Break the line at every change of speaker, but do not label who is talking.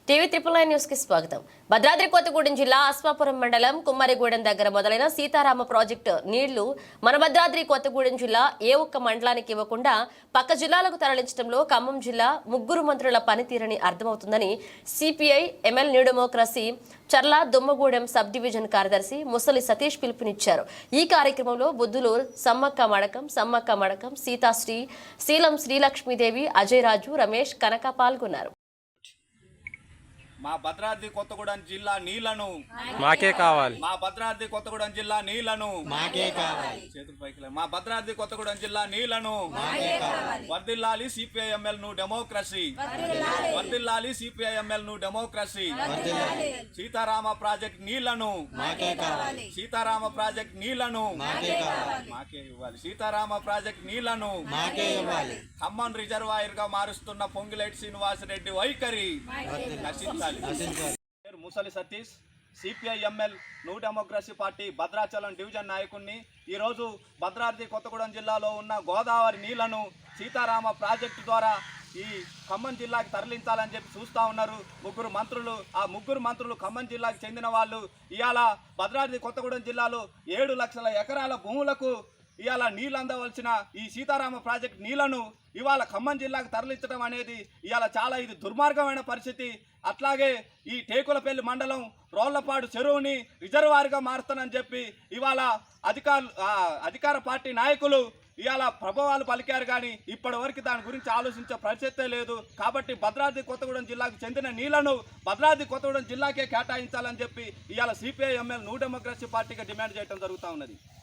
TV 999 news కి స్వాగతం. భద్రాద్రి కొత్తగూడెం జిల్లా అశ్వాపురం మండలం కుమ్మరిగూడెం దగ్గర మొదలైన సీతారామ ప్రాజెక్టు నీళ్లు మన భద్రాద్రి కొత్తగూడెం జిల్లా ఏ ఒక్క మండలానికి ఇవ్వకుండా పక్క జిల్లాలకు తరలించడంలో ఖమ్మం జిల్లా ముగ్గురు మంత్రుల పనితీరని అర్థమవుతుందని CPI ML New Democracy Charla Dummugudem sub division కార్యదర్శి ముసలి సతీష్ పిలుపునిచ్చారు. ఈ కార్యక్రమంలో బుద్ధులూరు సమ్మక్క మడకం సీతాశ్రీ శీలం శ్రీలక్ష్మీదేవి అజయ్ రాజు రమేష్ కనక పాల్గొన్నారు.
మా భద్రాద్రి కొత్తగూడెం జిల్లా నీళ్లను
మాకే కావాలి.
మా భద్రాద్రి కొత్తగూడెం జిల్లా నీళ్లను
మాకే కావాలి.
చేతులు పైకి మా భద్రాద్రి కొత్తగూడెం జిల్లా నీళ్లను వర్ధిల్లాలి సిపిఐఎంఎల్ ను డెమోక్రసీ, వర్ధిల్లాలి సిపిఐఎంఎల్ ను డెమోక్రసీ. సీతారామ ప్రాజెక్ట్ నీళ్లను
మాకే కావాలి.
సీతారామ ప్రాజెక్ట్ నీళ్లను
మాకే కావాలి.
మాకే ఇవ్వాలి. సీతారామ ప్రాజెక్ట్ నీళ్లను
మాకే ఇవ్వాలి.
ఖమ్మం రిజర్వాయర్ గా మారుస్తున్న పొంగిలేటి శ్రీనివాసరెడ్డి వైఖరి నశించాలి. Musali Satish, CPI ML New Democracy party Bhadrachalam division నాయకుడిని. ఈరోజు భద్రాద్రి కొత్తగూడెం జిల్లాలో ఉన్న గోదావరి నీళ్లను సీతారామ ప్రాజెక్టు ద్వారా ఈ ఖమ్మం జిల్లాకి తరలించాలని చెప్పి చూస్తూ ఉన్నారు ముగ్గురు మంత్రులు. ఆ ముగ్గురు మంత్రులు ఖమ్మం జిల్లాకు చెందిన వాళ్ళు. ఇవాళ భద్రాద్రి కొత్తగూడెం జిల్లాలో 7 లక్షల ఎకరాల భూములకు ఇవాళ నీళ్ళు అందవలసిన ఈ సీతారామ ప్రాజెక్ట్ నీళ్లను ఇవాళ ఖమ్మం జిల్లాకు తరలించడం అనేది ఇవాళ చాలా ఇది దుర్మార్గమైన పరిస్థితి. అట్లాగే ఈ టేకులపల్లి మండలం రోళ్లపాడు చెరువుని రిజర్వాయర్గా మారుస్తానని చెప్పి ఇవాళ అధికార పార్టీ నాయకులు ఇవాళ ప్రభావాలు పలికారు, కానీ ఇప్పటి వరకు దాని గురించి ఆలోచించే పరిస్థితే లేదు. కాబట్టి భద్రాద్రి కొత్తగూడెం జిల్లాకు చెందిన నీళ్లను భద్రాద్రి కొత్తగూడెం జిల్లాకే కేటాయించాలని చెప్పి ఇవాళ సిపిఐఎంఎల్ న్యూ డెమోక్రసీ పార్టీగా డిమాండ్ చేయడం జరుగుతూ ఉన్నది.